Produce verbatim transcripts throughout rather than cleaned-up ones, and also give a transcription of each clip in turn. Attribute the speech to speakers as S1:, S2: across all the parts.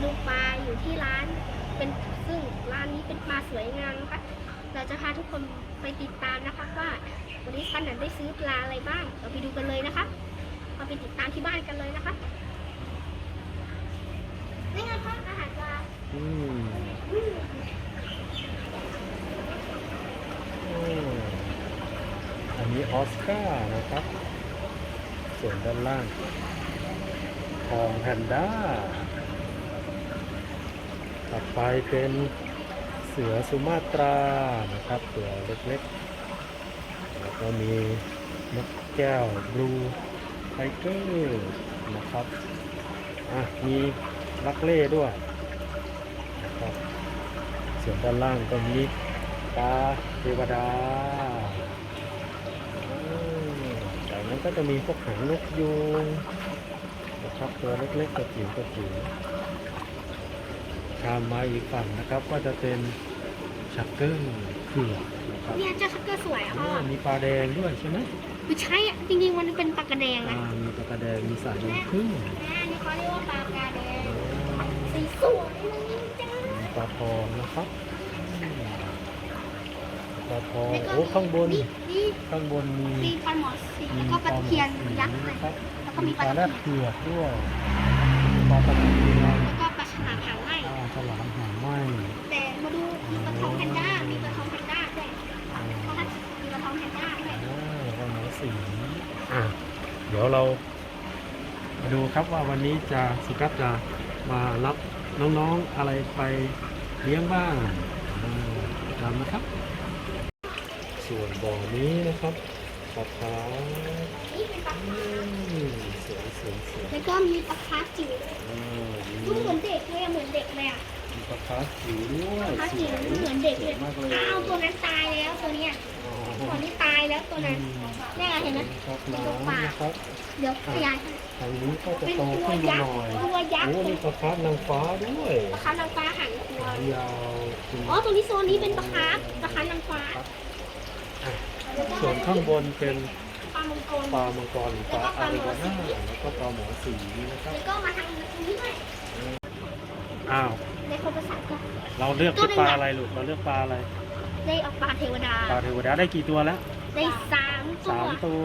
S1: ดูปลาอยู่ที่ร้านเป็นซึ่งร้านนี้เป็นปลาสวยงามนะคะเราจะพาทุกคนไปติดตามนะคะว่าวันนี้ปันได้ซื้อปลาอะไรบ้างเราไปดูกันเลยนะคะเราไปติดตามที่บ้านกันเลยนะคะนี่ไงคะอาหารปลา
S2: อืมอันนี้ออสการ์นะครับส่วนด้านล่างทองแพนด้าต่อไปเป็นเสือสุมาตรานะครับตัวเล็กๆแล้วก็มีนกแก้วบลูไทเกอร์นะครับอ่ะมีลักเล่ด้วยนะครับส่วนด้านล่างก็มีปลาเทวดาจากนั้นก็จะมีพวกหางนกยูงนะครับตัวเล็กๆกระจิ๋วกระจิ๋วข้ามมาอีกฝั่งนะครับก็จะเป็นชักเกอร์เผือกนะครับ
S1: เนี่ยเจ้าชักเกอร์สวยอ่ะพ่อ
S2: มีปลาแดงด้วยใช่ไหม
S1: ไม่ใช่อ่ะจริงๆมันเป็นปลากระแดงนะ
S2: มีปลากระแดงมีสายน้ำผึ้ง
S1: นี่เขาเรียกว่าปลากระแดงสีสวยจ้า
S2: ปลาทองนะครับปลาทองโอ้ข้างบนข้างบนมี
S1: มีปลาหมอสีแล้วก็ปลาเทียนยักษ์เลยแล้วก็มีปลา
S2: แรดเผือกด้วยปลาตะเพียน
S1: แล้วก็ปลาฉลามหางไหม
S2: ปลาฉลามหางไหม
S1: แต่มาดูมีปลาทองแพนด้ามีปลาทองแพนด้าด้วยมีปลาทองแพนด้าด้วย
S2: ปลาหมอสีอ่ะเดี๋ยวเรามาดูครับว่าวันนี้จะสุกัสจะมารับน้องๆอะไรไปเลี้ยงบ้างตามนะครับส่วนบ่อนี้นะครับปลาคาร์ฟ
S1: นี่เป็นปลาคาร์ฟ
S2: สวยสวยสวย
S1: แล้วก็มีปลาคาร์ฟจิ๋วดูเหมือนเด็กเลยเหมือนเด็กเลยอ่ะ
S2: มีปลาคาร์ฟจิ๋วด้วย
S1: ปลาคาร์ฟจิ๋วเหมือนเด็กเลยอ้าวตัวนั้นตายแล้วตัวเนี้ยตัวนี้ตายแล้วตัวนั้นนี่เห็นไหมเป็นตัวปลาเดี๋ยวขยาย
S2: ทางนี้ก็จะโตขึ้นมาหน่อย
S1: ตัวยักษ์
S2: โอ้นี่ปลาคาร์ฟนางฟ้าด้วย
S1: ปลาคาร์ฟนางฟ้าหางตัวย
S2: าว
S1: อ๋อตรงนี้โซนนี้เป็นปลาคาร์ฟปลาคาร์ฟนางฟ้า
S2: ส่วนข้างบนเป็น
S1: ปลามังกร
S2: ปลามังกรหรือปลาอาริวาน่าแล้วก็ปลาหมอสีนะครับ
S1: แล้วก็มาทางนี้ด้วย
S2: อ้าว
S1: ในคนภาษาก็
S2: เราเลือกปลาอะไรลูกเราเลือกปลาอะไร
S1: ได้เอาปลาเทวดา
S2: ปลาเทวดาได้กี่ตัวแล้ว
S1: ได้สามตัว
S2: สามตัว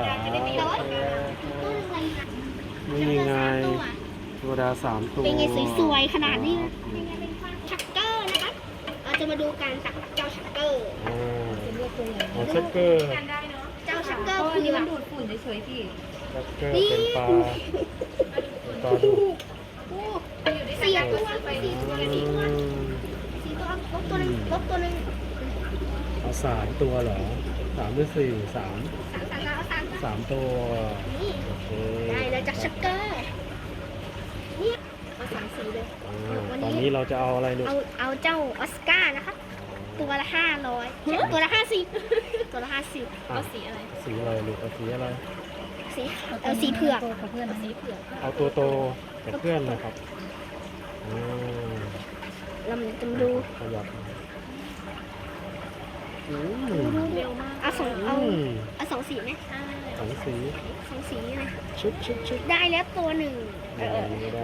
S2: นี่ไงเทวดาสามตัว
S1: เป็นไงสวยๆขนาดนี้เป็นไงเป็นชักเกอร์นะคะเราจะมาดูการตักเจ้าชักเกอร์
S2: อ๋อชักเกอร์
S1: เจ้าชักเกอร์คือ
S3: มันดูดฝุ่นเฉยๆพี่
S2: ชักเกอร์เป็นปลาปลาดุก
S1: สี่ตัวสี่ตัวสี่ตัวสี่ตัวลบตัวนึงลบตัวนึง
S2: เอาสามตัวเหรอสามหรือสี่สาม
S1: สามสาม
S2: สามตัว
S1: โอเคได้แล้วจากชักเกอร์นี่เอาสามสีเลย
S2: ตอนนี้เราจะเอาอะไรลูก
S1: เอาเอาเจ้าออสการ์นะคะตัวละห้าร้อยตัวละห้าสิบตัวละห้าสิบเอาสีอะไร
S2: สีอะไรลูกเอาสีอะไร
S1: สีเอาสีเผือกกับเพื่อนสีเผือก
S2: เอาตัวโตกับเพื่อนนะครับ
S1: ลำจำดู
S2: ขยับ
S1: เร็วมากเอาสองเอาเอาสองสีไหม
S2: สองสี
S1: สองสีเลย
S2: ชุดชุดชุด
S1: ได้แล้วตัวหนึ่ง
S2: เออไม่ได้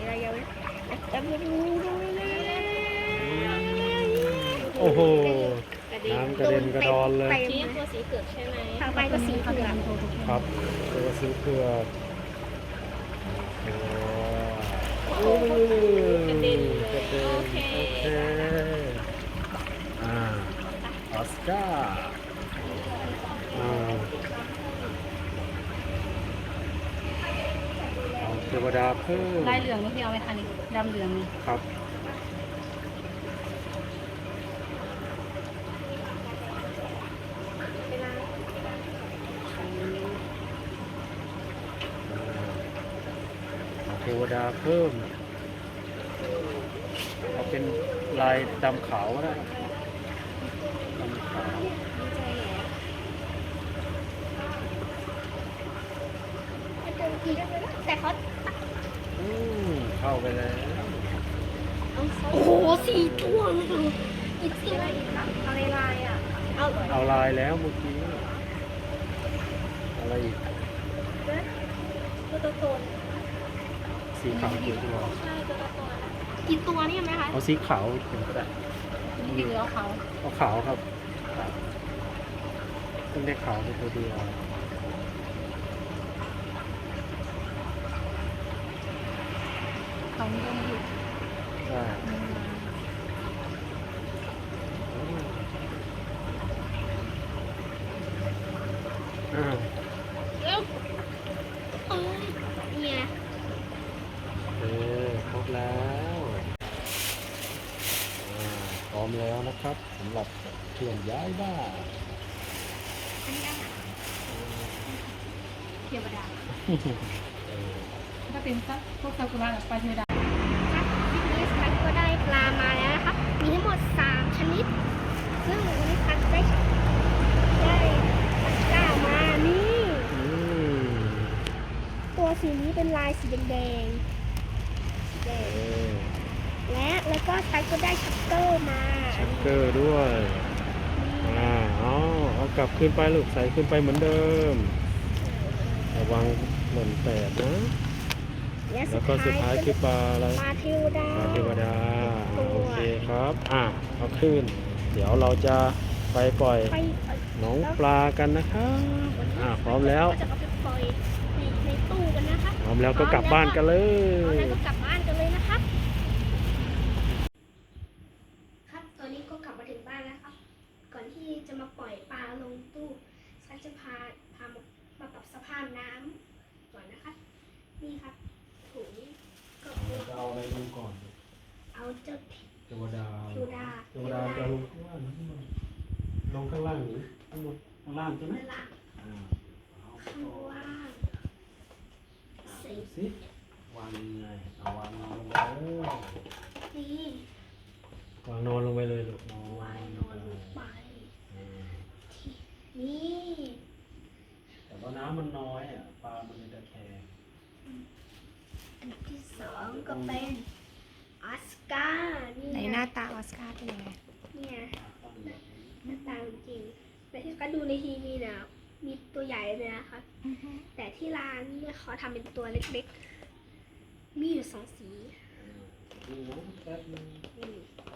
S2: โอ้โหน้ำกระเด็นกระดอนเลย
S3: นี่ตัวสีเผือกใช่ไหม
S1: ทางไปก็สีเผือก
S2: ครับตัวสีเผือก
S3: กระเด็นเลยโอเค
S2: อ่าออสการ์อ่าเทวดาเพิ่ม
S3: ลายเหลืองพี่เอาไปทานอีกดำเหลืองนี่
S2: ครับเทวดาเพิ่มเอาเป็นลายดำขาวก็ได้ดำขาว
S1: แต่เขา
S2: อืมเข้าไปแล้ว
S1: โอ้โหสี่ตัวเลยอีกสี่อะไรอะไรลายอ่ะเอา
S2: เอาลายแล้วเมื่อกี้อะไรอีก
S1: ตัวโต
S2: สีขาวกี่ตัว
S3: ใช่ตัวละตัวนะ
S1: กี่ตัวเนี่ยไหมคะ
S2: เอาสีขาวเป็นก็ได้
S3: นี่จริงๆแล้วเขา
S2: เอาขาวครับครับต้องได้ขาวเป็นตัวเดียว
S3: เขายังอยู่
S2: ใช่อ่า
S1: เอ้าเอ้ยเนี่ย
S2: เออครบแล้วอ่าพร้อมแล้วนะครับสำหรับเคลื่อนย้ายบ้าน
S1: อันนี้อาหาร
S3: เทวดา
S2: เออ
S3: ถ้าเป็นซักพวกซากุระแบบปลาเทวดา
S1: ครับทีนี้สตันก็ได้ปลามาแล้วนะครับ มีทั้งหมดสามชนิด ซึ่งวันนี้สตันได้ได้ตะกร้ามานี่
S2: อืม
S1: ตัวสีนี้เป็นลายสีแดงๆสีแด
S2: เอง อ
S1: และแล้วก็สตันก็ได้ชักเกอร์มา
S2: ชักเกอร์ด้วยอ่าเอาเอากลับขึ้นไปลูกใส่ขึ้นไปเหมือนเดิมระวังหล่นแตกนะ
S1: และ
S2: แล้วก็สุดท้ายคือปลาอะไร
S1: ปลาเทวดา
S2: ปลาเทวดา
S1: ตัว
S2: โอเคครับ อ่ะเอาขึ้น เดี๋ยวเราจะไปปล่อย
S1: ไป
S2: น้องปลากันนะครับ อ่ะพร้อมแล้ว
S1: ก็จะเอาไปปล่อยในในตู้กันนะคะ
S2: พร้อมแล้วก็กลับบ้านกันเล
S1: พร้อม
S2: ย
S1: แล้วก็กลับบ้านกันเลยนะครับ ครับ ตอนนี้ก็กลับมาถึงบ้านแล้วครับ ก่อนที่จะมาปล่อยปลาลงตู้ฉันจะพาพามามาปรับสภาพน้ำก่อนนะคะ นี่ครับถุงก็
S2: จะเอาอะไรลงก่อน
S1: เอาเจ้า
S2: เทวดา
S1: เทวดา
S2: เทวดาจะลงข้างล่างหรือข้างบนลงข้างล่างหรือข้างบนข้างล่างใช่ไหม
S1: เวลา
S2: อ่าเอา
S1: ข้างล่าง
S2: อ่า
S1: สี
S2: ดูสิวางยังไงเอาวางนอนลงไปเลย
S1: นี่
S2: วางนอนลงไปเลยลูกนอน
S1: วางนอนลงไป
S2: อ่า
S1: นี่
S2: แต่ว่าน้ำมันน้อยอ่ะปลามันเลยตะแคง
S1: อันที่สองก็เป็นออสการ์นี่
S3: ในหน้าตาออสการ์เป็นยังไง
S1: เนี่ย
S2: ตั้งแบบนี้
S1: หน้าตาจริงๆแต่ที่ก็ดูในทีวีเนี่ยมีตัวใหญ่เลยนะคะแต่ที่ร้านเนี่ยเขาทำเป็นตัวเล็กๆ มีอยู่สองสี
S2: อ่าดูน้องแป๊บนึง
S1: นี่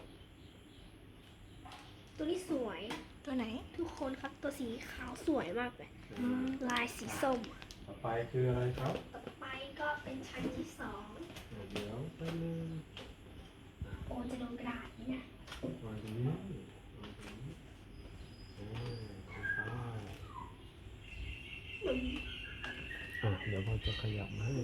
S1: ตัวนี้สวย
S3: ตัวไหน
S1: ทุกคนครับตัวสีขาวสวยมากเลยลายสีส้ม
S2: ต่อไปคืออะไรครับ
S1: ต่อไปก็เป็นชั้นที่สอง
S2: อ่าเดี๋ยวแป๊บนึง
S1: โอ้จะโดนกระดาษนี่นะ
S2: วางตรงนี้วางตรงนี้อ่าต่อไป
S1: มัน
S2: อ่ะเดี๋ยวเราจะขยับมาให้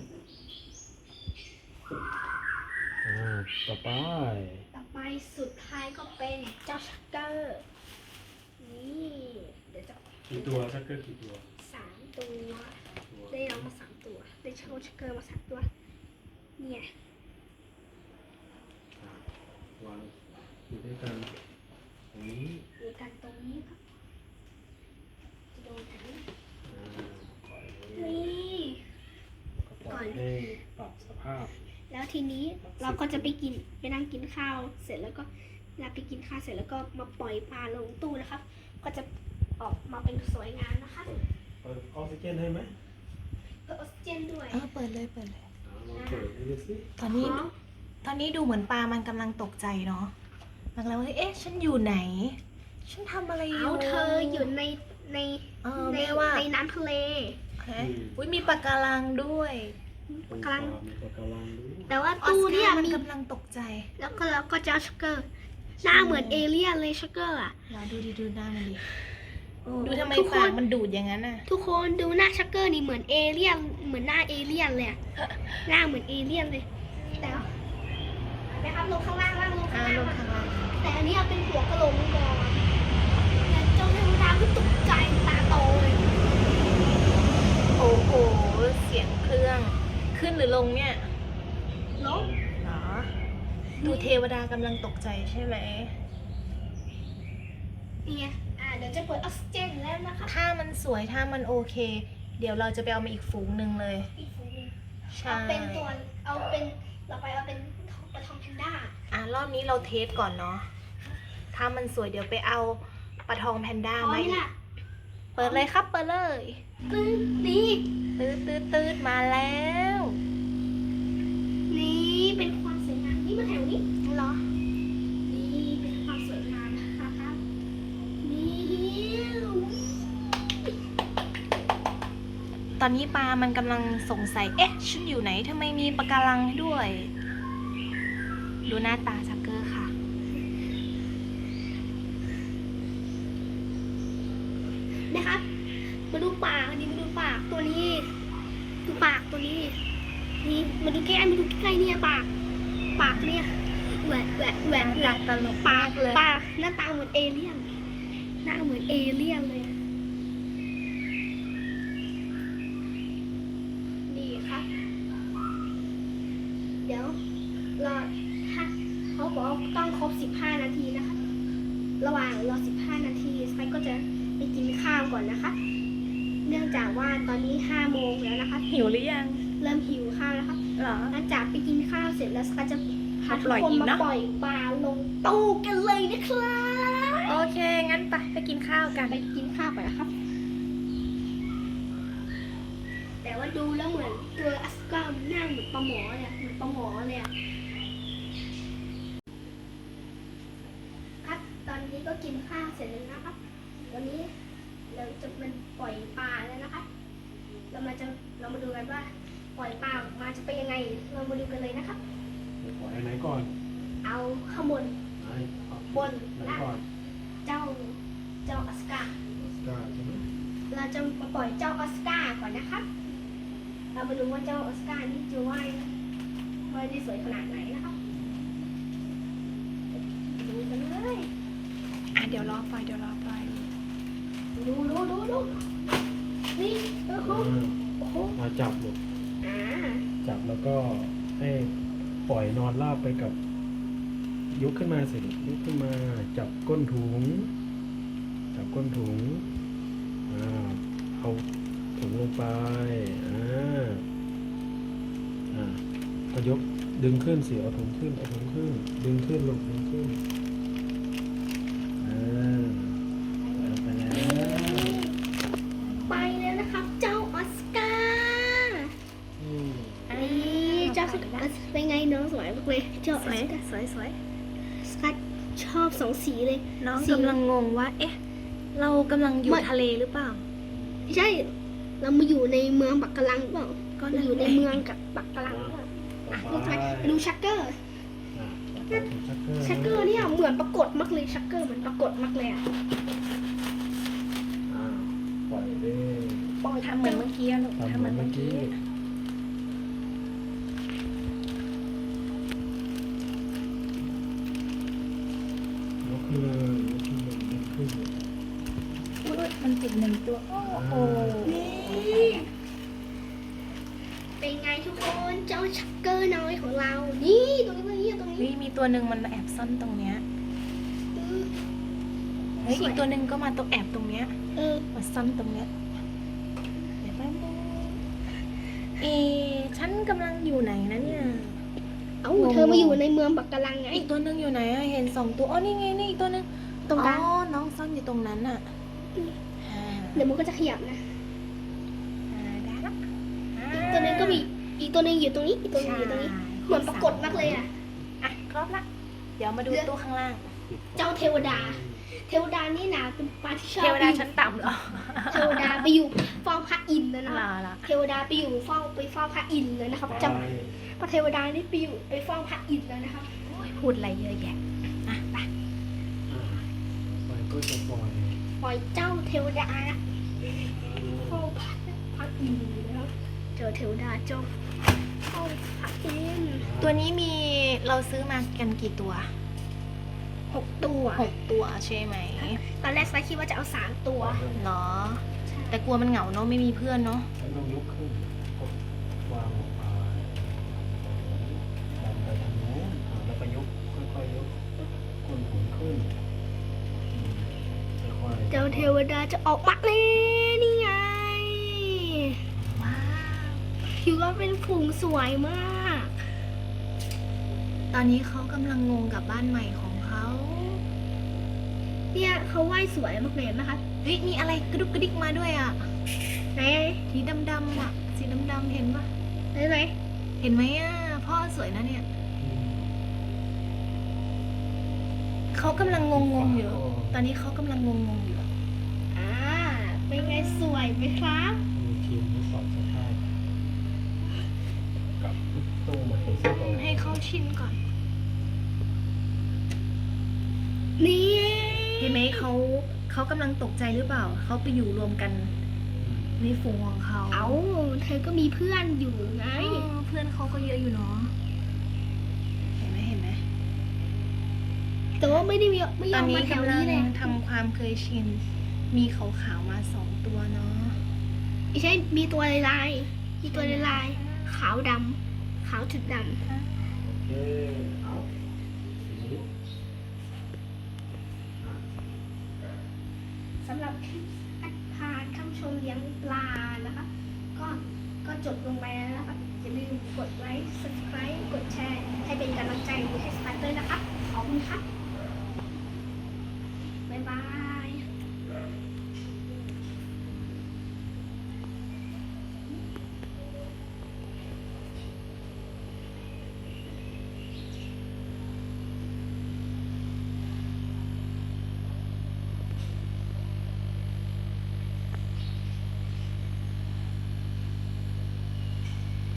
S2: อ่าต่อไป
S1: ต่อไปสุดท้ายก็เป็นเจ้าชักเกอร์นี่เดี๋ยวจะ
S2: กี่ตัวชักเกอร์กี่ตัว
S1: สามตัว
S2: ตัว
S1: ได้น้องมาสามตัว ได้โชว์ชักเกอร์มาสามตัว เนี่ย
S2: อ่ะวางอยู่ด้วยกันตรงนี้
S1: มีกันตรงนี้ครับจะโดนถัง
S2: อ่าปล่อยเลย
S1: นี่
S2: ก็ปล่อยให้ปรับสภาพ
S1: แล้วทีนี้เราก็จะไปกินไปนั่งกินข้าว เสร็จแล้วก็เวลาไปกินข้าวเสร็จแล้วก็มาปล่อยปลาลงตู้นะครับ ก็จะออกมาเป็นสวยงามนะคะ
S2: เปิดเปิดออกซิเจนให้ไหม
S1: เพื่อออกซิเจนด้วย
S3: เออเปิดเลยเปิดเลย
S2: อ่าลองเปิดดูสิ
S3: ตอนนี้
S1: อ๋อ
S3: ตอนนี้ดูเหมือนปลามันกำลังตกใจเนาะมันกำลังว่าเอ๊ะฉันอยู่ไหน ฉันทำอะไรอยู่
S1: เอาเธออยู่ในใน
S3: เออ
S1: ใน
S3: แม่ว่า
S1: ในน้ำทะเล
S3: ฮะอุ้ยมีปลาการังด้วย
S2: ตรง
S1: กำลัง
S2: มีปะการังด้วย
S1: แต่ว่า
S3: ออส
S1: ตู้เนี่ย
S3: การ์มัน
S1: มี
S3: กำลังตกใจ
S1: แล้วก็แล้วก็เจ้าชักเกอร์ หน้าเหมือนเอเลี่ยนเลยชักเกอร์อ่ะ
S3: เราดูดิดูหน้ามันดิ
S1: โอ้
S3: ดูทำไม
S1: ทุกค
S3: ปาก
S1: น
S3: มันดูดอย่างนั้นน่ะ
S1: ทุกคนดูหน้าชักเกอร์นี่เหมือนเอเลี่ยนเหมือนหน้าเอเลี่ยนเลยอะหน้าเหมือนเอเลี่ยนเลยแต่ว่านะครับลงข้างล่างล่างลง
S3: อ่า
S1: ข้างล่าง
S3: ลงข้างล่าง
S1: แต่อันนี้เอาเป็นหัวกะโหลกก่อนแต่เจ้าเทวดาก็ตกใจตาโตเลย
S3: โอ้โห เสียงเครื่อง ขึ้นหรือลงเนี่ย
S1: ลง
S3: เหรอ ดูเทวดากำลังตกใจใช่ไหม
S1: นี่ไงอ่าเดี๋ยวจะเปิดออกซิเจนแล้วนะคะ
S3: ถ้ามันสวยถ้ามันโอเค เดี๋ยวเราจะไปเอามาอีกฝูงหนึ่งเลย
S1: อีกฝูงหนึ่ง
S3: ใช่
S1: เอาเป็นตัวเอาเป็นเราไปเอาเป็นปลาทองแพนด้า
S3: อ่ะรอบนี้เราเทสก่อนเนาะ ถ้ามันสวยเดี๋ยวไปเอาปลาทองแพนด้า
S1: พร้อ
S3: มาม อีก
S1: ล่ะ
S3: เปิดเลยครับเปิดเลย
S1: ตึ้งนี่
S3: ตืดตืดตืดมาแล้ว
S1: น
S3: อนนี้ปลามันกำลังสงสัย เอ๊ะ ฉันอยู่ไหน ทำไมมีปะการังด้วย ดูหน้าตาชักเกอร์ค่ะ
S1: นะครับมาดูปากนี่มาดูปากตัวนี้ ดูปากตัวนี้ นี่มาดูใกล้ๆมาดูใกล้ๆเนี่ยปาก ปากเนี่ยแหวะแหวะแหวะแหวะ
S3: ตลก
S1: ปาก
S3: เลย
S1: ปากหน้าตาเหมือนเอเลี่ยน หน้าเหมือนเอเลี่ยนเลย นี่ครับ เดี๋ยวรอถ้าเขาบอกว่าต้องครบสิบห้านาทีนะคะ ระหว่างรอสิบห้านาทีสไปก็จะไปกินข้าวก่อนนะคะ เนื่องจากว่าตอนนี้ห้าโมงแล้วนะคะ
S3: หิวหรือยัง
S1: เริ่มหิวข้าวแล้วค่ะ
S3: เหรอ
S1: หลังจากไปกินข้าวเสร็จแล้วสกายจะพาทุ
S3: ปล่
S1: ก
S3: อย
S1: คน
S3: อีก
S1: มา
S3: เนอะ
S1: ปล่อยปลาลงตู้กันเลยนะครับ
S3: โอเค งั้นไปไปกินข้าวกัน
S1: ไปกินข้าวก่อนนะครับ แต่ว่าดูแล้วเหมือนตัวอัสกามันหน้าเหมือนปลาหมอเลยอะเหมือนปลาหมอเลยอะครับตอนนี้ก็กินข้าวเสร็จแล้วนะครับวันนี้เราจะเป็นปล่อยปลาแล้วนะคะ เรามาจะเรามาดูกันว่า ปล่อยปลาออกมาจะเป็นยังไง เรามาดูกันเลยนะครับ
S2: เดี๋ยวปล่อยอันไหนก่อน
S1: เอาข้างบน
S2: ไหนเอา
S1: บน
S2: ไหนก่อน
S1: เจ้าเจ้าออสการ์
S2: กล้าใช่ไหม
S1: เราจะมาปล่อยเจ้าออสการ์ก่อนนะครับ เรามาดูว่าเจ้าออสการ์นี่จะว่ายว่ายได้สวยขนาดไหนนะครับดูกันเลย
S3: อ่ะ เดี๋ยวรอไปเดี๋ยวรอไป
S1: ดูดูดูดูนี่โอ้โห
S2: อ่า
S1: โอ้โห
S2: มาจับลูก
S1: อ่า
S2: จับแล้วก็ให้ปล่อยนอนราบไปกับ ยกขึ้นมาสิลูกยกขึ้นมาจับก้นถุง จับก้นถุงอ่าเอาถุงลงไปอ่าอ่าก็ยกดึงขึ้นสิเอาถุงขึ้นเอาถุงขึ้น ดึงขึ้นลงดึงขึ้นอ่าเอาไปแล้ว
S1: ไปแล้วนะครับ เจ้าออสการ์
S2: อืม
S1: นี่เจ้าออสการ์เป็นไงน้องสวยมากเลยเจ้าอ
S3: ส
S1: อ
S3: วย
S1: สการ์
S3: สวยสวย
S1: ออสการ์ชอบสองสีเลย
S3: น้อง
S1: สี
S3: กำลังงงว่า เอ๊ะ เรากำลังอยู่
S1: ไม่
S3: ทะเลหรือเปล่า
S1: ใช่ เรามาอยู่ในเมืองปักกะลังหรือเปล่า
S3: ก็
S1: เรา
S3: นั่น
S1: อยู่
S3: แห
S1: ใน
S3: ละ
S1: เมืองกับปักกะลังหรือเปล่าอ่ะ
S2: ต่อ
S1: ดู
S2: ไป
S1: ไปดูชักเกอร์
S2: อ่ะต่อไปถึงชักเกอร์
S1: ชักเกอร์เนี่ยเหมือนปรากฏมากเลยชักเกอร์เหมือนปรากฏมากเลยอ่ะ
S2: อ่าปล่อยเลย
S1: ปล่อย
S3: ทำเหมือนเมื่อกี้อะลูก
S2: ทำ
S3: ทำ
S2: เห
S3: เห
S2: มื
S3: มื
S2: อ
S3: อน น
S2: เมื่
S3: เมื่
S2: อ
S3: อ
S2: กี้
S3: กี้
S2: ยกขึ้นเลยยกขึ้นเลยยกขึ้นเลย
S3: อุ๊ยมันติดหนึ่งตัว โอ้โห
S1: นี่เป็นไงทุกคนเจ้าชักเกอร์น้อยของเรา นี่ตรงนี้ตรงนี้ตรง
S3: เฮ้
S1: นี้
S3: ยมีตัวหนึ่งมันแอบซ่อนตรงเนี้ย
S1: อืม
S3: เฮ้ย
S1: สวย
S3: อีกตัวหนึ่งก็มาตัวแอบตรงเนี้ย
S1: เออ
S3: มาซ่อนตรงเนี้ย เดี๋ยวแป๊บนึงเอ ฉันกำลังอยู่ไหนนะเนี่ย
S1: เอ้าเธอมาอยู่ในเมืองปักกะลังไง
S3: อีกตัวหนึ่งอยู่ไหนอะเห็นสองตัว อ๋อ นี่ไง นี่อีกตัวหนึ่ง
S1: ตรงกลาง
S3: อ๋อ น้องซ่อนอยู่ตรงนั้นน่ะอ่า
S1: เดี๋ยวมันก็จะขยับนะ
S3: อ่าได้ละ
S1: อีกตัวหนึงก็มีอีกตัวหนึงอยู่ตรงนี้อีกตัวหนึงอยู่ตรงนี้ เหมือนปรากฏมากเลยอ่ะ
S3: อ่ะ ครบละ เดี๋ยวมาดูตัวข้างล่าง
S1: เจ้าเทวดา เทวดานี่นะเป็นปลาที่ชอบ
S3: เทวดาชั้นต่ำเหรอ
S1: เทวดาไปอยู่เฝ้าพระอินทร์เลยนะ
S3: ลา
S1: คะ
S3: ละ
S1: เทวดาไปอยู่เฝ้าไปเฝ้าพระอินทร์เลยนะครับ
S2: ไป
S1: จำพระเทวดานี่ไปอยู่ไปเฝ้าพระอินทร์เลยนะครับ
S3: โอ้ยพูดอะไรเยอะแยะ อ่ะ ไป
S2: อ่าไปก็จะปล่อย
S1: ปล่อยเจ้าเทวดานะเฝ้าพระพระอินทร์นะครับเจอเทวดาเจ้าเฝ้าพระอินทร์
S3: ตัวนี้มีเราซื้อมากันกี่ตัว
S1: หกตัว
S3: หกตัวใช่ไหม
S1: ตอนแรกไซคิดว่าจะเอาสามตัว
S3: เนาะแต่กลัวมันเหงาเนาะไม่มีเพื่อนเนาะ
S2: แล้วต้องยกขึ้นกดวางลงไปดันไปทางโน้นอ่าแล้วก็ยกค่อยๆยกก้นถุงขึ้นอืมค่อยๆ
S1: เจ้าเทวดาจะออกมาเลยนี่ไง
S3: ว้าว
S1: คิดว่าเป็นฝูงสวยมาก
S3: ตอนนี้เขากำลังงงกับบ้านใหม่ของเขา
S1: เนี่ยเขาว่ายสวยมากเลยเห็นไหมคะ
S3: เฮ้ยมีอะไรกระดุกกระดิกมาด้วยอ่ะ
S1: ไหน
S3: สีดำๆอ่ะสีดำๆเห็นปะ
S1: ไหนไหน
S3: เห็นไหมอ่ะพ่อสวยนะเนี่ย
S2: อืม
S3: เขากำลังงงงๆอยู่ ตอนนี้เขากำลังงงงๆอยู่
S1: อ่าเป็นไงสวยไหมครับ
S2: มีชินทดสอบสภาพกับตู้ใหม่ซึ่งตรง
S3: ให้เขาชินก่อน
S1: นี่
S3: เห็นไหมเขาเขากำลังตกใจหรือเปล่า เขาไปอยู่รวมกันในฝูงของเขา
S1: เอาเธอก็มีเพื่อนอยู่ไง
S3: อ๋อเพื่อนเขาก็เยอะอยู่เนาะ เห็นไหมเห็นไหม
S1: แต่ว่าไม่ได้มีไม่ย
S3: ตอ
S1: อน ม
S3: นี้
S1: มาแถว
S3: กำลัง
S1: นี้เลย
S3: ทำความเคยชิน มีขาวๆมาสองตัวเนาะ
S1: ไม่ใช่มีตัวลายๆมีตัวลายๆขาวดำขาวจุดด
S2: โอเคเอาทีนี้
S1: ำสำหรับคลิปพาท่านผู้ชมเลี้ยงปลานะคะ ก็ก็จบลงไปแล้วนะคะอย่าลืมกดไลค์ subscribe